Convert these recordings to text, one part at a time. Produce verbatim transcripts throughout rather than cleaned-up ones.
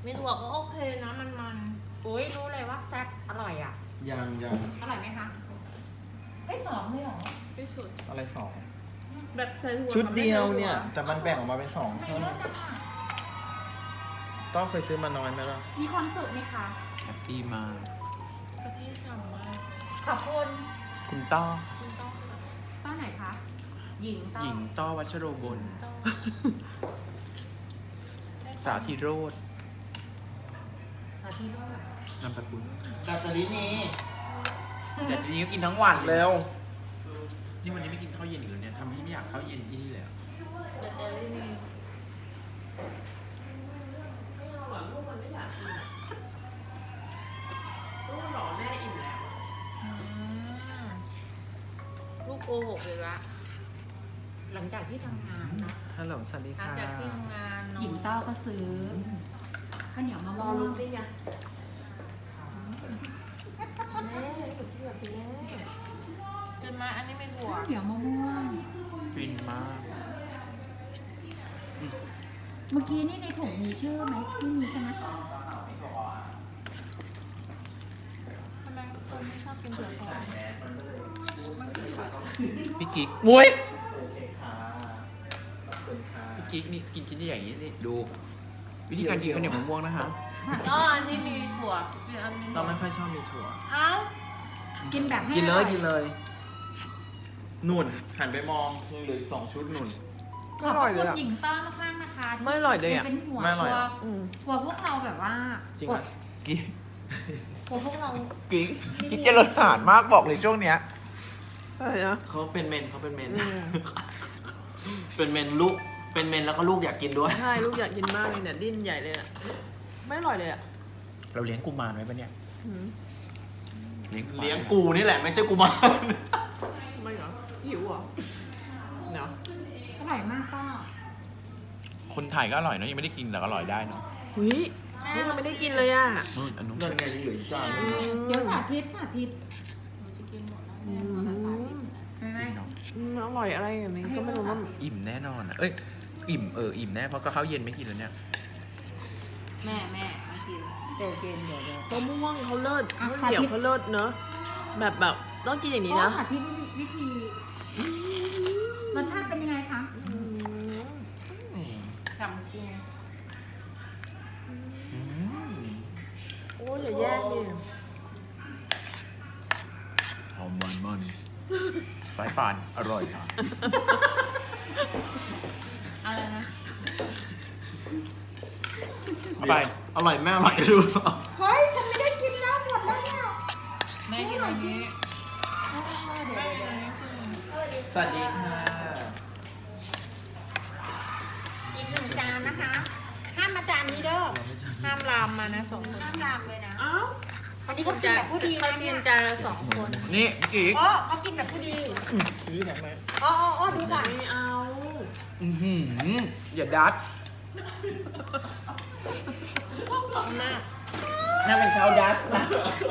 มีถั่วก็โอเคนะมันมันอุ้ยรู้เลยว่าแซ่บอร่อยอ่ะยังยังอร่อยไหมคะไม่สองเลยเหรอไม่สุดอะไรสองแบบใส่ถั่วชุดเดียวเนี่ย แต่มันแบ่งออกมาเป็นสองไม่ช่องเยอะจังอ่ะต้องเคยซื้อมาน้อยไหมล่ะมีความสุขไหมคะแฮปปี้มากกะทิฉ่ำมากขอบคุณคุณต้อคุณต้องค่ะต้อไหนคะหญิงต้อหญิงต้อวัชโรบลต้อสาธิโรธสาธิโรจน์นามสกุลดัจรินีแต่ทีนี้ก็กินทั้งวันเลยแล้วนี่วันนี้ไม่กินข้าวเย็นอีกแล้วเนี่ยทำให้ไม่อยากข้าวเย็นที่นี่เลยอะแต่เจอรี่นี่อืมลูกโกหกเลยละหลังจากที่ทำงานนะฮัลโหลสวัสดีหลังค่ะจากที่ทำงานเนอะหญิงเต้าก็ซื้อข้าวเหนียวมะรม่อวงลุ้นได้ยังแม่อยู่ที่แบบแม่เกินมาอันนี้ไม่ถั่วข้าวเหนียวมะม่วงฟินมากเมื่อกี้นี่ในถุงมีชื่อไหมไม่มีใช่ไหมทำไมคนไม่ชอบกินถั่วทอดมันกินผักพี่กิ๊กมุ้ยโอเคค่ะขอบคุณค่ะพี่กิ๊กนี่กินชิ้นใหญ่ๆอย่างนี้นี่ดู วิธีการกินข้าวเหนียวมะม่วงนะคะอ๋ออันนี้มีถั่วอีกอันนึงเราไม่ค่อยชอบมีถั่วเอ้ากินแบบให้กินเลอย ร่อกินเลยนุ่นหันไปมองยังเหลืออีกสองชุดนุ่นขอบคุณหญิงเต้ามากๆนะคะไม่อร่อยเลยอะเป็นหัวไม่อร่อยตัวอะหัวพวกเราแบบว่าจริงกอ่ะดกิ๊กหัวพวกเรากิ๊กกิ๊กเจริญอาหารมากบอกเลยช่วงเนี้ยอะไรนะเขาเป็นเมนเขาเป็นเมน เป็นเมนลูก เป็นเมนแล้วก็ลูกอยากกินด้วยใช่ลูกอยากกินมากเลยเนี่ยดิ้นใหญ่เลยอ่ะไม่อร่อยเลยอ่ะเราเลี้ยงกุมารไว้ปะเนี่ยอืมเลี้ยงกุมารเลี้ยงกูนี่แหละไม่ใช่กูมารไม่เหรอหิวเหรอเนาะอร่อยมากต้อคนไทยก็อร่อยเนอะยังไม่ได้กินแต่ก็อร่อยได้เนาะหุยนี่เราไม่ได้กินเลยอ่ะนู่นอันนู้นเดินไงยังเหลืออีกจานนึงเดี๋ยวสาธิตสาธิตหนูจะกินหมดแล้วอืแม่หมดแล้วสาธิตมไม่ไม่เนาะอืมอร่อยอะไรอย่างนี้ก็ไม่รู้ว่าอิ่มแน่นอนอะเอ้ยอิ่มเอออิ่มแน่เพราะก็ข้าวเย็นไม่กินแล้วเนี่ยแม่แม่มากินเดี๋ยวกินเดี๋ยวเดี๋ยวมะม่วงเขาเลิศอ่ะข้าวเหนียวสาธิตเขาเลิศเนอะแบบแบบต้องกินอย่างนี้นะก็สาธิตวิธีรสชาติเป็นยังไงคะอืมจำกุ้งอืมโอ้ยอย่าแยกดิหอมหวานมันสายปานอร่อยค่ะอะไรนะเอาไปอร่อยแม่อร่อยดูเฮ้ยฉันไม่ได้กินแล้วหมดแล้วเนี่ยแม่กินอันนี้เดี๋ยวแม่เดี๋ยวกินเดี๋ยวอันนี้คือสวัสดีค่ะอีกหนึ่งจานนะคะ ห้ามมาจานนี้เด้อห้ามลามมานะสองคนห้ามลามเลยนะอ้าวอันนี้ก็กินแบบผู้ดีเขานะกิเนี่ยนจานละสองคนนี่พี่กิ๊กอ๋อเขากินแบบผู้ดีซื้อแถมไหมอ๋ออ๋ออ๋อดูก่อนไม่เอาอือหืออย่าดัดแม่น่าเป็นชาวดัสนะ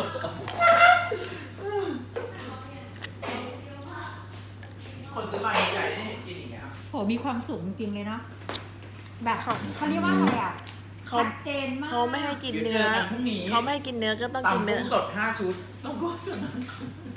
คนซื้อมาใหญ่ๆนี่เห็นกินอีกไหมครับโหมีความสุขจริงๆเลยเนาะแบบเขาเรียกว่าอะไรอ่ะเขาชัดเจนมากเขาไม่ให้กินเดี๋ยวเนื้อเจอกันพรุ่งนี้เขาไม่ให้กินเนื้อก็ต้องกินตำเนื้กุ้องสดห้าชุดต้องกุ้งสด